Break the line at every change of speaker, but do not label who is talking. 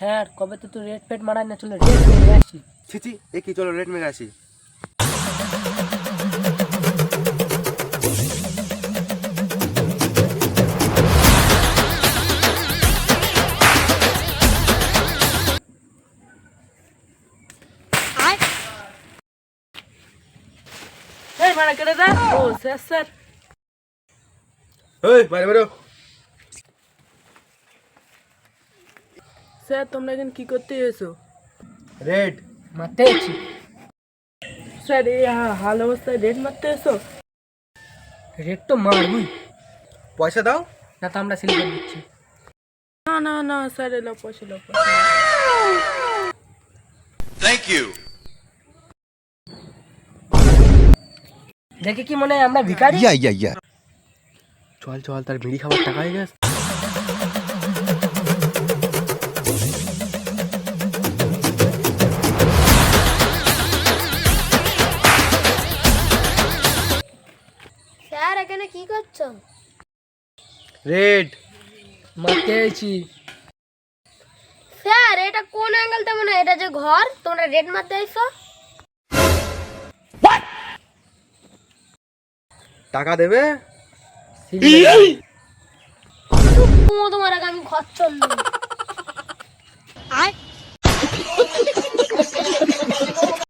হ্যাঁ কবে তো তুই রেড ফেড মারাই না, চলো রেড মেরে আসি।
ছি এ কি, চলো রেড মেরে আসি।
এই মারা কেটে দা। ও স্যার স্যার।
ওই বাইরে বেরো।
স্যার তোমরা এখন কি করতে এসো?
রেড
মারতে এসছি। স্যার এই হাল অবস্থায় রেড মারতে এসো? রেড তো মারবই।
পয়সা দাও।
না তো আমরা সিল করে দিচ্ছি। না না না স্যার এলো পয়সা লো।
Thank you.
দেখে কি মনে হয় আমরা ভিখারি?
চল চল, তার বিড়ি খাবার টাকা হয়ে গেছে।
স্যার এখানে কি করছো?
রেড
মারতে এসেছি।
স্যার এটা কোন অ্যাঙ্গেল তেমন? এটা যে ঘর, তোমরা রেড মারতে আইছো?
টাকা দেবে।
তোমার আগে আমি ঘর চললাম।